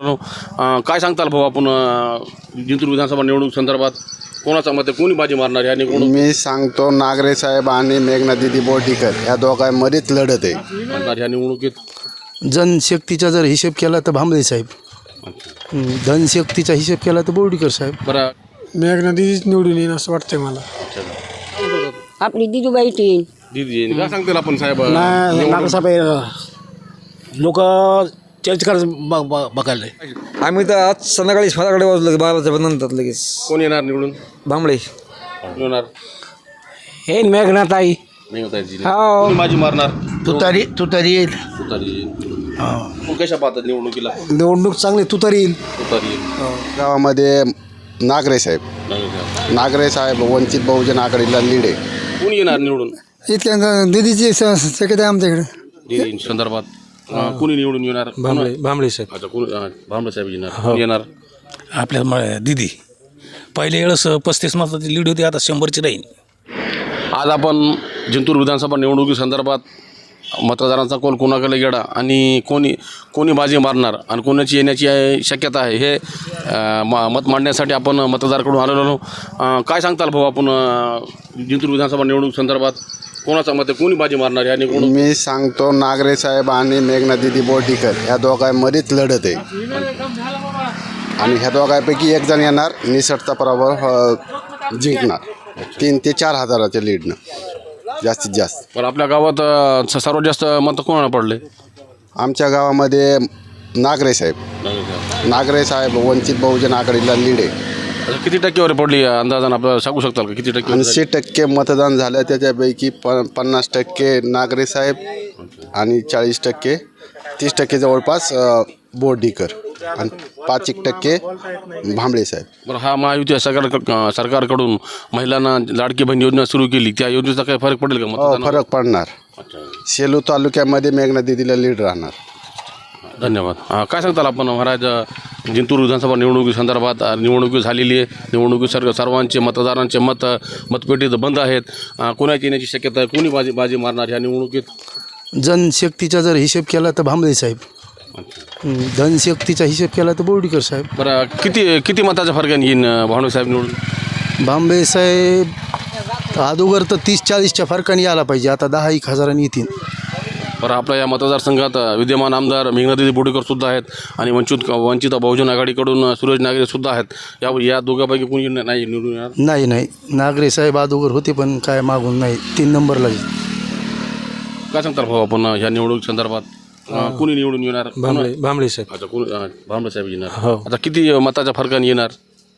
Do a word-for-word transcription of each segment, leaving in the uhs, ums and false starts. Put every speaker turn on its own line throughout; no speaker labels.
मित्रांनो, अं, काय सांगताल भाऊ आपण अं, जिंतूर विधानसभा निवडणूक संदर्भात कोणाचा मत आहे, कोणी बाजी मारणार आहे आणि कोण
मी सांगतो नागरे साहेब आणि मेघना दिदी बोर्डीकर या दोघांमध्येच लढत आहे.
म्हणणार ह्या निवडणुकीत?
जनशक्तीचा जर हिशेब केला तर भांबळे साहेब, हं, धनशक्तीचा हिशेब केला तर बोर्डीकर साहेब.
बरं,
मेघना दिदीच निवडून येईन असं वाटतंय मला.
आपली दिदूबाई टीन
दीदी काय सांगतील आपण साहेब?
लोक चर्च करत बघायला
आम्ही तर आज संध्याकाळी स्वतःकडे वाजलो बाराच्या नंतर लगेच
कोण येणार निवडून?
भांबळे
कोण येणार?
हे मेघनाताई
नाही होता येत. कोणी बाजी मारणार?
तुतारी तुतारी येईल.
तुतारी. मग कशा पाहतात निवडणुकीला?
निवडणूक चांगली तू तरी येईल.
तुतारी.
गावामध्ये नागरे साहेब नागरे साहेब वंचित बहुजन आघाडीला लीड आहे.
कोणी येणार निवडून?
इतक्या दिदीची शक्यता आहे आमच्याकडे.
दीदी संदर्भात अं, कोणी निवडून येणार?
भांबळे भांबळे साहेब.
अच्छा, कोण अं, भांबळे साहेब येणार. कोण येणार?
आपल्या म- दिदी पहिले वेळेस पस्तीस मताची लीड होती, आता शंभरची राहील.
आज आपण जिंतूर विधानसभा निवडणुकी संदर्भात मतदारांचा कौल कोणाकडे गेला आणि कोणी कोणी बाजी मारणार आणि कोणाची येण्याची आहे शक्यता आहे हे अं, म मत मांडण्यासाठी आपण मतदाराकडून आलेलो आहोत. अं, काय सांगताल भाऊ आपण अं, जिंतूर विधानसभा निवडणूक संदर्भात कोणाचा मत आहे, कोणी बाजी मारणार आहे आणि कोण?
मी सांगतो नागरे साहेब आणि मेघना दिदी बोर्डीकर या दोघांमध्येच लढत आहे. आणि ह्या दोघांपैकी एक जण येणार, निसटता पराभव अ, जिंकणार तीन ते चार हजाराच्या लीडनं जास्तीत जास्त.
पण आपल्या गावात अं, स- सर्वात जास्त मत कोणाला पडले?
आमच्या गावामध्ये नागरे साहेब नागरे साहेब वंचित बहुजन आघाडीला लीड आहे.
आता किती टक्केवारी पडली अंदाजानं आपल्याला सांगू शकताल का? किती टक्के?
ऐंशी टक्के मतदान झालं, त्याच्यापैकी प पन्नास टक्के नागरे साहेब आणि चाळीस टक्के तीस टक्के जवळपास अ, बोर्डीकर आणि पाच एक टक्के भांबळे साहेब.
बरं, हा महायुती सरकार सरकारकडून महिलांना लाडकी बहीण योजना सुरू केली, त्या योजनेचा काही फरक पडेल का
हो,
मतदानावर?
फरक पडणार. सेलू तालुक्यामध्ये मेघना दिदीला लीड राहणार.
धन्यवाद. अं, काय सांगताल आपण महाराज अं, जिंतूर विधानसभा निवडणुकी संदर्भात अं, निवडणुकी झालेली आहे. निवडणुकी सर्व सर्वांचे मतदारांचे मत मतपेटीत बंद आहेत. अं, कोणाची येण्याची शक्यता आहे, कोणी बाजी बाजी मारणार ह्या निवडणुकीत?
जनशक्तीचा जर हिशेब केला तर भांबळे साहेब, हं, धनशक्तीचा हिशेब केला तर बोर्डीकर साहेब.
बरं, किती किती मताच्या फरकाने येईन अं, भावणे साहेब निवडून?
भांबळे साहेब अगोदर तर तीस चाळीसच्या फरकाने यायला पाहिजे, आता दहा एक हजारांनी येतील.
बरं, आपल्या या मतदारसंघात अं, विद्यमान आमदार मेघनादिदी बोर्डीकर सुद्धा आहेत आणि वंचित वंचित बहुजन आघाडीकडून अं, सुरेश नागरे सुद्धा आहेत. या या दोघांपैकी कोणी नाही निवडून येणार?
नाही नाही नागरे साहेब अगोदर होते पण काय मागून नाही, तीन नंबरला येईल.
काय सांगतात भाऊ आपण अं, ह्या निवडणूक संदर्भात अं, कोणी निवडून येणार?
भांबळे भांबळे साहेब.
अच्छा, कोण अं, भांबळे साहेब येणार.
हो.
आता किती मताच्या फरकाने येणार?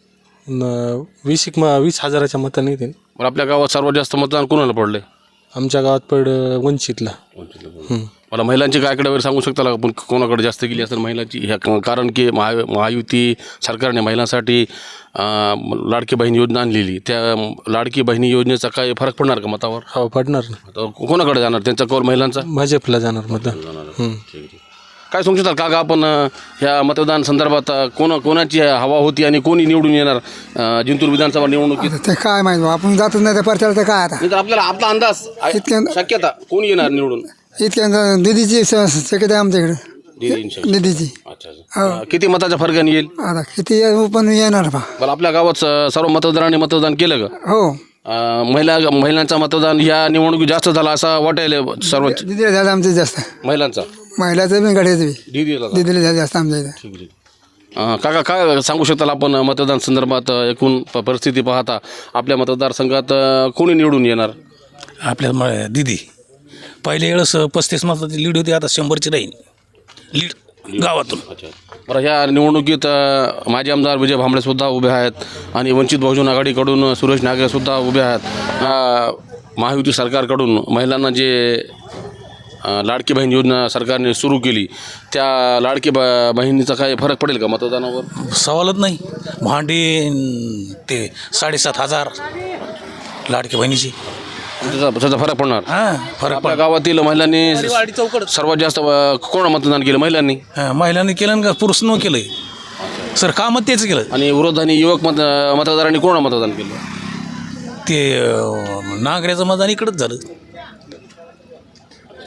न- वीस एक म वीस हजाराच्या मतांनी येतील.
बरं, आपल्या गावात सर्वात जास्त मतदान कोणाला पडले?
आमच्या गावात पड वंचितला.
मला महिलांची काय कडे सांगू शकता का आपण कोणाकडे जास्त गेली असेल महिलांची? ह्या कारण की महा महायुती सरकारने महिलांसाठी अं, लाडकी बहीण योजना आणलेली, त्या लाडकी बहिणी योजनेचा काय फरक पडणार का मतावर?
हो, पडणार ना.
आता कोणाकडे जाणार त्यांचा कौल महिलांचा?
भाजपला जाणार मतदान. हं.
काय सांगू शकता का आपण अं, ह्या मतदान संदर्भात अं, कोण कोणाची हवा होती आणि कोणी निवडून येणार अं, जिंतूर विधानसभा निवडणुकीत?
ते काय माहिती बा, आपण जातच नाही त्या परचाला तर काय आता.
नाही तर आपल्याला आपला अंदाज आहे,
इतक्या-
शक्यता कोणी येणार निवडून?
इतक्या दिदीची श- शक्यता आहे आमच्याकडे.
दीदी शक्यता.
दिदीची
अच्छा, अच्छा. अं, किती मताच्या फरकाने येईल?
आता किती पण येणार बा.
बरं, आपल्या गावात स- सर्व मतदारांनी मतदान केलं का?
हो,
अं, महिला महिलांचा मतदान या निवडणुकीत जास्त झाला असं वाटायला सर्व
दिदीला झालं आमचं जास्त.
महिलांचा?
महिलाचं बी गाड्याचं बी
दीदीला का?
दिदीला झालं जास्त आमच्या इथं.
अं, काका काय सांगू शकताल आपण मतदान संदर्भात अं, एकूण प- परिस्थिती पाहता आपल्या मतदारसंघात अं, कोणी निवडून येणार?
आपल्या म दिदी पहिले वेळेस पस्तीस मताची लीड होती, आता शंभरची राहील लीड गावातून.
अच्छा, बरं, ह्या निवडणुकीत अं, माजी आमदार विजय भांबळे सुद्धा उभे आहेत आणि वंचित बहुजन आघाडीकडून सुरेश नागरे सुद्धा उभे आहेत. अं, महायुती सरकारकडून महिलांना जे अं, लाडकी बहीण योजना सरकारने सुरू केली, त्या लाडकी ब बहिणीचा काय फरक पडेल का मतदानावर?
सवालच नाही. भांडी न ते साडेसात हजार लाडकी बहिणीची.
त्याचा त्याचा फरक पडणार.
हां, फरक
आपल्या
पड
गावातील महिलांनी
वाडी चौकड
सर्वात जास्त अं, कोण मतदान केलं? महिलांनी.
हां, महिलांनी केलं का पुरुष न केलं सर? कामं तेच केलं.
आणि विरोधाने युवक मत मतदारांनी कोण मतदान केलं?
ते अं, नागऱ्याचं मतदान इकडंच झालं.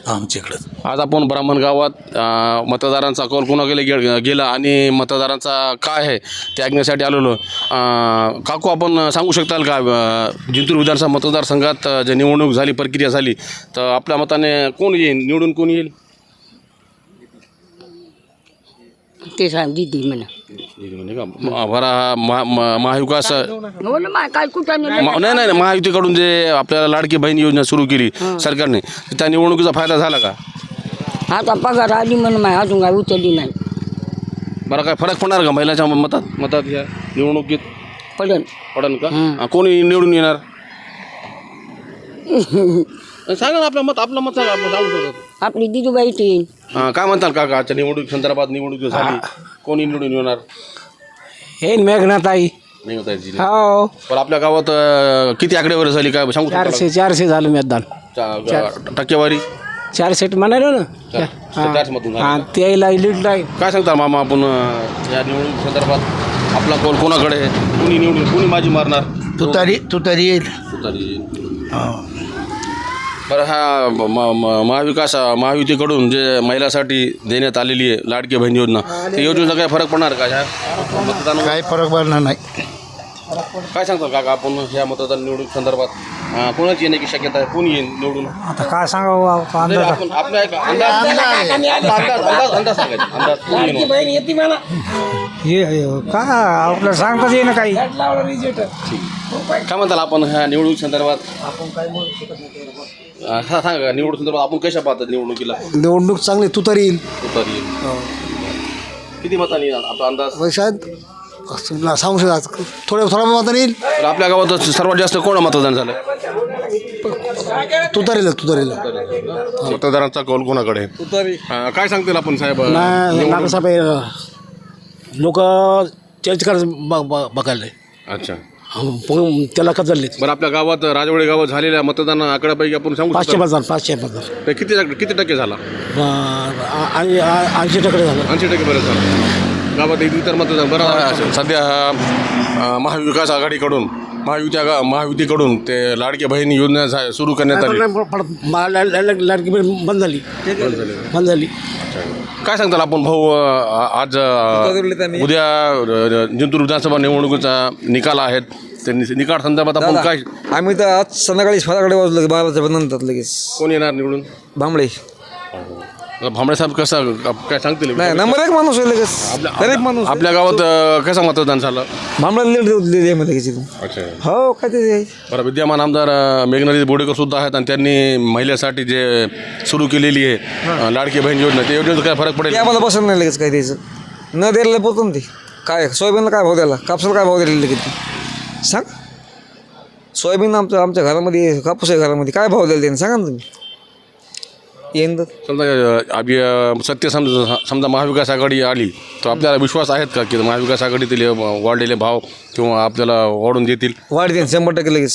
आमच्याकडं.
आज आपण ब्राह्मण गावात अ, मतदारांचा कौल कोणाकडे गे गेला आणि मतदारांचा काय आहे ते ऐकण्यासाठी आलेलो. अ, काकू आपण सांगू शकताल का अ, जिंतूर विधानसभा मतदारसंघात अ, जे निवडणूक झाली प्रक्रिया झाली तर आपल्या मताने कोण येईल निवडून कोण येईल?
ते सांग दीदी म्हणा.
म्हणजे का म- बरा महा- महा- महाविकास
हो ना मा काय कुठं नाही.
म- नाही नाही महायुतीकडून जे आपल्याला लाडकी बहीण योजना सुरू केली सरकारने त्या निवडणुकीचा फायदा झाला का?
आता पगार आली म्हणून माय अजून काय उचलली नाही.
बरं काय फरक पडणार का महिलाच्या मतात मतात या निवडणुकीत
पडन
पडन का? हा, कोणी निवडून येणार सांगा ना आपलं मत आपलं मत सांगा आपण सांगू शकतो.
आपली दिदूबाई तीन.
हां काय म्हणताल काका आजच्या निवडणूक संदर्भात निवडणूक झाली कोणी निवडून येणार?
हे मेघनाताई
नाही होता याची.
हो
पण आपल्या गावात अं, किती आकडेवारी झाली काय सांगू शकता
चारशे चारशे झालं मतदान
का? चा- टक्केवारी
चारशे म्हणालो ना
चार- चारशे मधून झाली.
हां त्याला लीड आहे.
काय सांगता मामा आपण अं, या निवडणूक संदर्भात आपला कौल कोणाकडे आहे? कोणी निवडून कोणी बाजी मारणार?
तुतारी तुतारी येईल.
तुतारी. बरं हा म- म- महाविकास महायुतीकडून जे महिलासाठी देण्यात आलेली आहे लाडकी बहीण योजना त्या योजनेचा काय फरक पडणार का ह्या मतदान?
काही फरक पडणार नाही.
काय सांगता काका आपण ह्या मतदान निवडणूक संदर्भात अं, कोणाची येण्याची शक्यता आहे? कोणी येईल निवडून?
आता काय सांगावं
नाही, आपण आपल्या एक अंदाज अंदाज अंदाज अंदाज सांगायचा अंदाज कोणी येणार?
हे का आपल्याला सांगताच येईना काही.
काय म्हणताल आपण ह्या निवडणूक संदर्भात अं, हा सांगा निवडणूक संदर्भात आपण कशा पाहतात निवडणुकीला?
निवडणूक चांगली तुतारी येईल.
तुतारी येईल. किती मतांनी येईल आपला अंदाज?
शायद सांगू शकता थोड्या थोड्या मताने येईल.
तर आपल्या गावात सर्वात जास्त कोण मतदान झालं?
तुतारीला तुतारीला
मतदारांचा कौल कोणाकडे आहे?
तुतारी
अं, काय सांगतील आपण साहेब
लोक त्याच्याकडे बघायला
अच्छा
त्याला का चालले
बरं आपल्या गावात राजवाडे गावात झालेल्या मतदान आकड्यापैकी आपण सांगू
पाचशे
शकतो
हजार पाचशे हजार
ते किती टक्के- किती टक्के झाला?
आणि ऐंशी टक्के झालं.
ऐंशी टक्के बरं झालं गावात एक इतर मतदान बरं सध्या अं, महाविकास आघाडीकडून महायुत्या गा महायुतीकडून ते लाडकी बहीण योजना झा- सुरू करण्यात आली.
लाडकी बंद झाली बंद झाली.
काय सांगताल आपण भाऊ अं, आज अं, उद्या अं, जिंतूर विधानसभा निवडणुकीचा निकाल आहेत ते नि- निकाल संदर्भात आपण
दादा,
काय
आम्ही तर आज संध्याकाळी फराकडे वाजलो बाराच्या नंतर लगेच
कोण येणार निवडून?
भांबळे
भांबळे साहेब कसं काय सांगतील?
नाही नंबर एक माणूस आहे लगेच दरेक माणूस
आपल्या गावात अं, कसं मतदान झालं?
भांबळा लीड दिली आहे लगेच इथून.
अच्छा
हो काय ते
बरं विद्यमान आमदार अं, मेघनादी बोडेकर सुद्धा आहेत आणि त्यांनी महिलेसाठी जे सुरू केलेली आहे अं, लाडकी बहीण योजना त्या योजनेचा काय फरक पडेल?
ते आम्हाला पसंत नाही लगेच काय द्यायचं न द्यायला पोहोचतो ना ते काय सोयाबीनला काय भाव द्यायला कापसाला काय भाव द्यायला लगेच सांग सोयाबीन आमचं आमच्या घरामध्ये कापूस आहे घरामध्ये काय भाव द्यायला त्यांनी सांगा ना तुम्ही येईन तर
समजा अं, आम्ही, अं, सत्य समजा समजा महाविकास आघाडी आली तर आपल्याला विश्वास आहेत का की महाविकास आघाडीतील अं, वाढलेले भाव किंवा आपल्याला वाढून देतील?
वाढ देईन शंभर टक्के लगेच.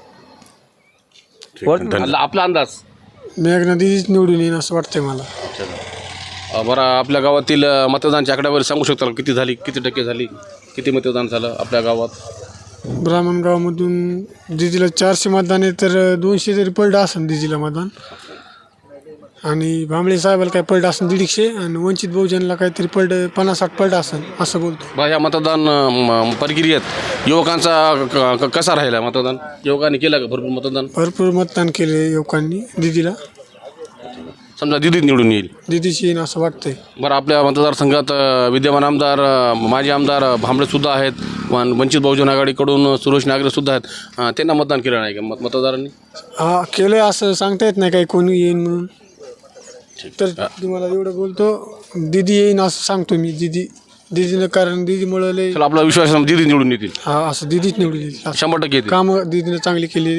धन्यवाद. आपला अंदाज
मेघनदीच निवडून येईन असं वाटतंय मला.
अं, बरं आपल्या गावातील अं, मतदानच्या आकड्यावर सांगू शकता का? किती झाली किती टक्के झाली किती मतदान झालं आपल्या गावात?
ब्राह्मण गावामधून दिदीला चारशे मतदान आहे तर दोनशे तरी पडलं असेल दिदीला मतदान. आणि भांबळे साहेबाला काय पडलं असेल दीडशे आणि वंचित बहुजनला काहीतरी पडलं पन्नास साठ पडलं असेल असं बोलतो.
बा ह्या मतदान अं, म- प्रक्रियेत युवकांचा क- क- कसा राहिला मतदान? युवकांनी केलं का भरपूर मतदान?
भरपूर मतदान केले युवकांनी दिदीला.
समजा दिदीत निवडून येईल.
दिदीची येईन असं वाटतंय.
बरं आपल्या मतदारसंघात अं, विद्यमान आमदार अं, माजी आमदार अं, भांबळेसुद्धा आहेत वन- वंचित बहुजन आघाडीकडून सुरेश नागरेसुद्धा आहेत. अं, त्यांना मतदान केलं नाही का मत मतदारांनी?
हा केलं असं सांगता येत नाही काही कोणी येईन म्हणून. तर तुम्हाला एवढं बोलतो दिदी येईन असं सांगतो मी. दिदी दिदीनं कारण दिदीमुळं लय
चला आपला विश्वास आहे, दिदी निवडून येतील
हा असं दिदीच निवडून येईल.
शंभर टक्के येतील.
कामं दिदीनं चांगली केली.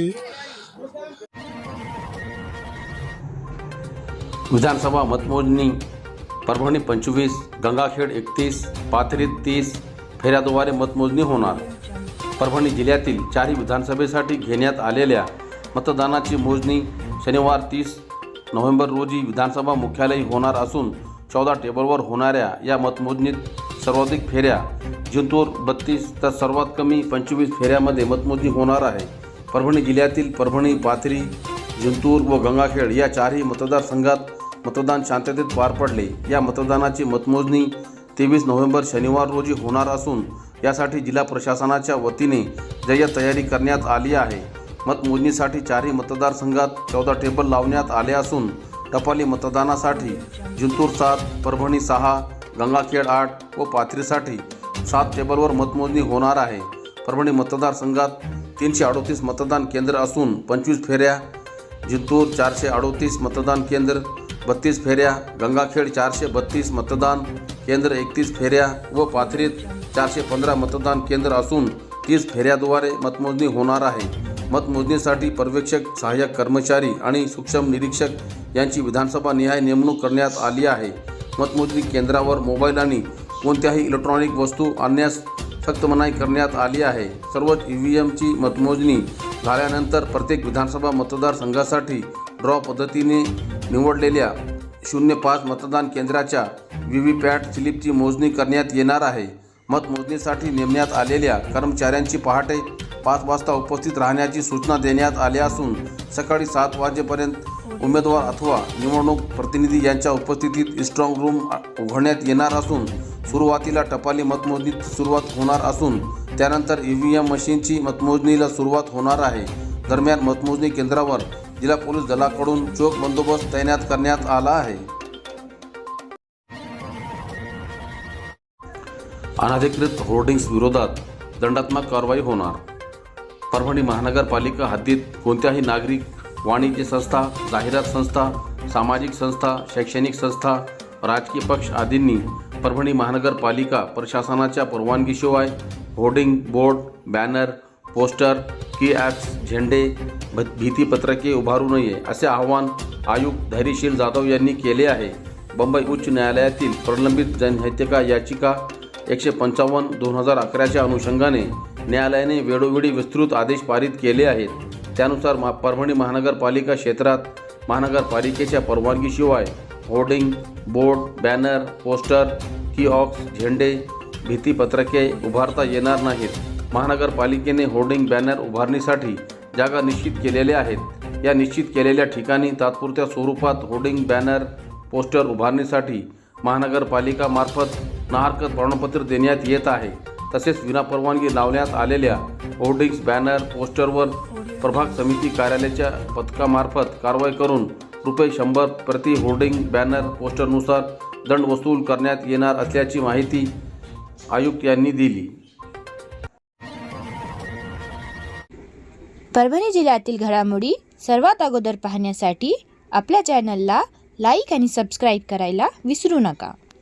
विधानसभा मतमोजणी परभणी पंचवीस, गंगाखेड एकतीस, पाथरी तीस फेऱ्याद्वारे मतमोजणी होणार. परभणी जिल्ह्यातील चारही विधानसभेसाठी घेण्यात आलेल्या मतदानाची मोजणी शनिवार तीस नोव्हेंबर रोजी विधानसभा मुख्यालयी होणार असून चौदा टेबलवर होणाऱ्या या मतमोजणीत सर्वाधिक फेऱ्या जिंतूर बत्तीस तर सर्वात कमी पंचवीस फेऱ्यामध्ये मतमोजणी होणार आहे. परभणी जिल्ह्यातील परभणी, पाथरी, जिंतूर व गंगाखेड या चारही मतदारसंघात मतदान शांततेत पार पडले. या मतदानाची मतमोजणी तेवीस नोव्हेंबर शनिवार रोजी होणार असून यासाठी जिल्हा प्रशासनाच्या वतीने जय्यत तयारी करण्यात आली आहे. मतमोजणीसाठी चारही मतदारसंघात चौदा टेबल लावण्यात आले असून टपाली मतदानासाठी जिंतूर सात, परभणी सहा, गंगाखेड आठ व पाथरीसाठी सात टेबलवर मतमोजणी होणार आहे. परभणी मतदारसंघात तीनशे अडोतीस मतदान केंद्र असून पंचवीस फेऱ्या, जिंतूर चारशे अडोतीस मतदान केंद्र बत्तीस फेऱ्या, गंगाखेड चारशे बत्तीस मतदान केंद्र एकतीस फेऱ्या व पाथरीत चारशे पंधरा मतदान केंद्र असून तीस फेऱ्याद्वारे मतमोजणी होणार आहे. मतमोजणीसाठी पर्यवेक्षक, सहाय्यक कर्मचारी आणि सूक्ष्म निरीक्षक यांची विधानसभा निहाय नेमणूक करण्यात आली आहे. मतमोजणी केंद्रावर मोबाईल आणि कोणत्याही इलेक्ट्रॉनिक वस्तू आणण्यास सक्त मनाई करण्यात आली आहे. सर्व ई व्ही एमची मतमोजणी झाल्यानंतर प्रत्येक विधानसभा मतदारसंघासाठी ड्रॉ पद्धतीने निवडलेल्या शून्य पाच मतदान केंद्राच्या व्ही व्ही पॅट स्लिपची मोजणी करण्यात येणार आहे. मतमोजणीसाठी नेमण्यात आलेल्या कर्मचाऱ्यांची पहाटे पाच वाजता उपस्थित राहण्याची सूचना देण्यात आल्या असून सकाळी सात वाजेपर्यंत उमेदवार अथवा निवडणूक प्रतिनिधी यांच्या उपस्थितीत स्ट्रॉंग रूम उघडण्यात येणार असून सुरुवातीला टपाली मतमोजणीत सुरुवात होणार असून त्यानंतर ई व्ही एम मशीनची मतमोजणीला सुरुवात होणार आहे. दरम्यान मतमोजणी केंद्रावर जिल्हा पोलीस दलाकडून चोख बंदोबस्त तैनात करण्यात आला आहे. अनधिकृत होर्डिंग्स विरोधात दंडात्मक कारवाई होणार. परभणी महानगरपालिका हद्दीत कोणत्याही नागरिक, वाणिज्य संस्था, जाहिरात संस्था, सामाजिक संस्था, शैक्षणिक संस्था, राजकीय पक्ष आदींनी परभणी महानगरपालिका प्रशासनाच्या परवानगीशिवाय होर्डिंग, बोर्ड, बॅनर, पोस्टर, की ॲप्स, झेंडे, भीतीपत्रके उभारू नये असे आवाहन आयुक्त धैर्यशील जाधव यांनी केले आहे. बंबई उच्च न्यायालयातील प्रलंबित जनहितका याचिका एकशे पंचावन्न दोन हजार अकराच्या अनुषंगाने न्यायालयाने वेळोवेळी विस्तृत आदेश पारित केले आहेत. त्यानुसार मा परभणी महानगरपालिका क्षेत्रात महानगरपालिकेच्या परवानगीशिवाय hoarding, board, banner, poster, kiosk, झेंडे, भीतीपत्रके उभारता येणार नाहीत. महानगरपालिकेने होर्डिंग, बॅनर उभारणीसाठी जागा निश्चित केलेल्या आहेत. या निश्चित केलेल्या ठिकाणी तात्पुरत्या स्वरूपात होर्डिंग, बॅनर, पोस्टर उभारणीसाठी महानगरपालिकामार्फत नाहरकत प्रमाणपत्र देण्यात येत आहे. तसेच विनापरवानगी लावण्यात आलेल्या होर्डिंग्स, बॅनर, पोस्टरवर प्रभाग समिती कार्यालयाच्या पथकामार्फत कारवाई करून रुपये शंभर प्रति होर्डिंग, बॅनर, पोस्टरनुसार दंड वसूल करण्यात येणार असल्याची माहिती आयुक्त यांनी दिली.
परभणी जिल्ह्यातील घडामोडी सर्वात अगोदर पाहण्यासाठी आपल्या चॅनलला लाईक आणि सबस्क्राईब करायला विसरू नका.